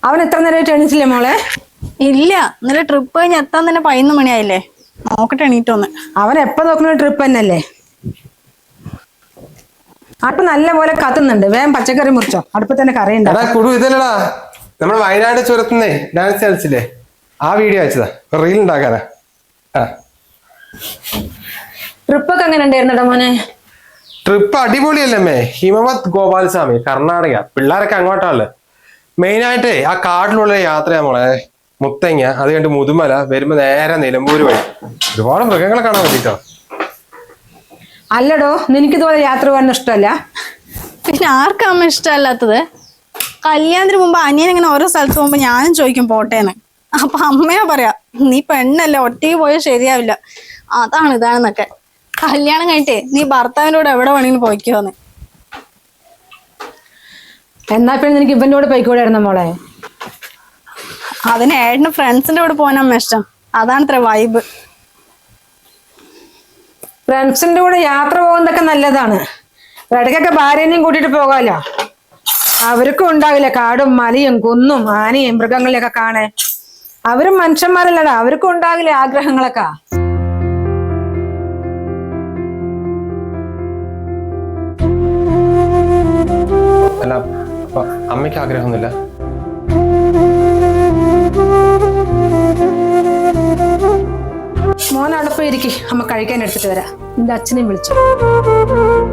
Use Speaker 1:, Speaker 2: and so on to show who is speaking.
Speaker 1: അവൻ എത്ര നേരമായിട്ട് എണീറ്റില്ലേ മോളെ?
Speaker 2: ഇല്ല, ഇന്നലെ ട്രിപ്പ് കഴിഞ്ഞ് എത്താൻ തന്നെ 11 മണിയായില്ലേ. നോക്കട്ടെ എണീറ്റോന്ന്.
Speaker 1: അവൻ എപ്പോ നോക്കുന്ന ട്രിപ്പ് തന്നെയല്ലേ. അടുപ്പ് നല്ല പോലെ കത്തുന്നുണ്ട്. വേഗം പച്ചക്കറി മുറിച്ചോ, അടുപ്പ് തന്നെ കറി ഉണ്ടാവും.
Speaker 3: ഇതല്ലടാ നമ്മൾ വയനാട് ചുരത്തുന്നേ ഡാൻസ് കളിച്ചില്ലേ, ആ വീഡിയോ അയച്ചതാ, റീൽ ഉണ്ടാക്കാനാ.
Speaker 1: ട്രിപ്പൊക്കെ എങ്ങനെ ഉണ്ടായിരുന്നടാ മോനെ?
Speaker 3: ട്രിപ്പ് അടിപൊളിയല്ലേ. ഹിമവത് ഗോപാലസ്വാമി, കർണാടക. പിള്ളേരൊക്കെ അങ്ങോട്ടാണല്ലോ. മെയിനായിട്ടേ ആ കാട്ടിലുള്ള യാത്രയാ മോളെ. മുത്തങ്ങ, അത് കണ്ട് മുതുമല, വരുമ്പോ നേരെ നിലമ്പൂര് വഴി ഒരുപാട് മൃഗങ്ങളെ കാണാൻ പറ്റിട്ടോ.
Speaker 1: അല്ലടോ, നിനക്കിതുപോലെ യാത്ര പോകാൻ ഇഷ്ടമല്ല?
Speaker 2: പിന്നെ ആർക്കമ്മ ഇഷ്ടമല്ലാത്തത്? കല്യാണത്തിന് മുമ്പ് അനിയൻ ഇങ്ങനെ ഓരോ സ്ഥലത്ത് പോകുമ്പോ ഞാനും ചോദിക്കും പോട്ടേന്ന്. അപ്പൊ അമ്മയാ പറയാ, നീ പെണ്ണല്ലേ, ഒറ്റയ്ക്ക് പോയാൽ ശരിയാവില്ല, അതാണ് ഇതാണെന്നൊക്കെ. കല്യാണം കഴിഞ്ഞിട്ടേ നീ ഭർത്താവിൻ്റെ കൂടെ എവിടെ വേണമെങ്കിലും പോയിക്കോന്ന്.
Speaker 1: എന്നാ പിന്നെ നിനക്ക് ഇവന്റെ കൂടെ പോയിക്കൂടായിരുന്ന മോളെ?
Speaker 2: അതിന് ഏട്ടന് ഫ്രണ്ട്സിന്റെ കൂടെ പോകാനമ്മ ഇഷ്ടം, അതാണ് ഇത്ര വൈബ്.
Speaker 1: ഫ്രണ്ട്സിന്റെ കൂടെ യാത്ര പോകുന്നതൊക്കെ നല്ലതാണ്. ഇടയ്ക്കൊക്കെ ഭാര്യനെയും കൂട്ടിട്ട് പോകാലോ. അവർക്കും ഉണ്ടാവില്ല കാടും മലയും കുന്നും ആനയും മൃഗങ്ങളെയൊക്കെ കാണാൻ. അവരും മനുഷ്യന്മാരല്ലടാ, അവർക്കും ഉണ്ടാകില്ലേ ആഗ്രഹങ്ങളൊക്കെ.
Speaker 3: അല്ല, അമ്മയ്ക്ക് ആഗ്രഹമൊന്നുമില്ല?
Speaker 1: മോൻ അവിടെ പോയിരിക്കും, അമ്മ കഴിക്കാൻ എടുത്തിട്ട് വരാം. നിന്റെ അച്ഛനെയും വിളിച്ചു.